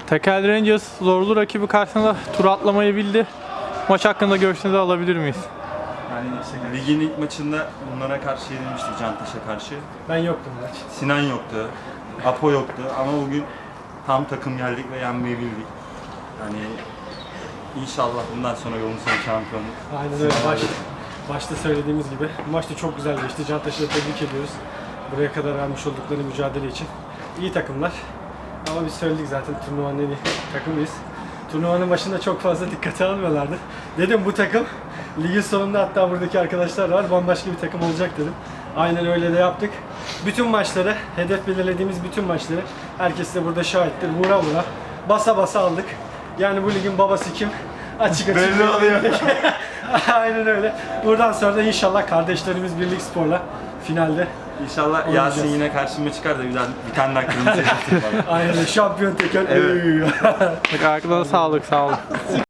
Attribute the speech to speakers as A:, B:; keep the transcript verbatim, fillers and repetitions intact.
A: Tekel Rangers zorlu rakibi karşısında tur atlamayı bildi. Maç hakkında görüşlerinizi alabilir miyiz?
B: Yani ligin ilk maçında bunlara karşı yenilmiştik, Cantaş'a karşı.
C: Ben yoktum maç.
B: Sinan yoktu, Apo yoktu ama bugün tam takım geldik ve yenmeyi bildik. Yani inşallah bundan sonra yolun sonu şampiyonluk.
C: Aynen öyle. Baş, başta söylediğimiz gibi. Bu maç da çok güzel geçti. Cantaş'ı da tebrik ediyoruz. Buraya kadar vermiş oldukları mücadele için. İyi takımlar. Ama biz söyledik zaten turnuvanın en iyi takımıyız. Turnuvanın başında çok fazla dikkate almıyorlardı. Dedim bu takım ligin sonunda, hatta buradaki arkadaşlar var, bambaşka bir takım olacak dedim. Aynen öyle de yaptık. Bütün maçları, hedef belirlediğimiz bütün maçları, herkes de burada şahittir. Vura vura, basa basa aldık. Yani bu ligin babası kim? Açık açık.
B: Belli oluyor.
C: Aynen öyle. Buradan sonra da inşallah kardeşlerimiz Birlik Spor'la finalde.
B: İnşallah
C: Oynayacağız.
B: Yasin yine karşıma çıkar da bir, daha, bir tane daha kırmızı yaptım bana.
C: Aynen öyle. Şampiyon teker.
B: Evet.
A: Arkadaşlar sağlık, sağ olun.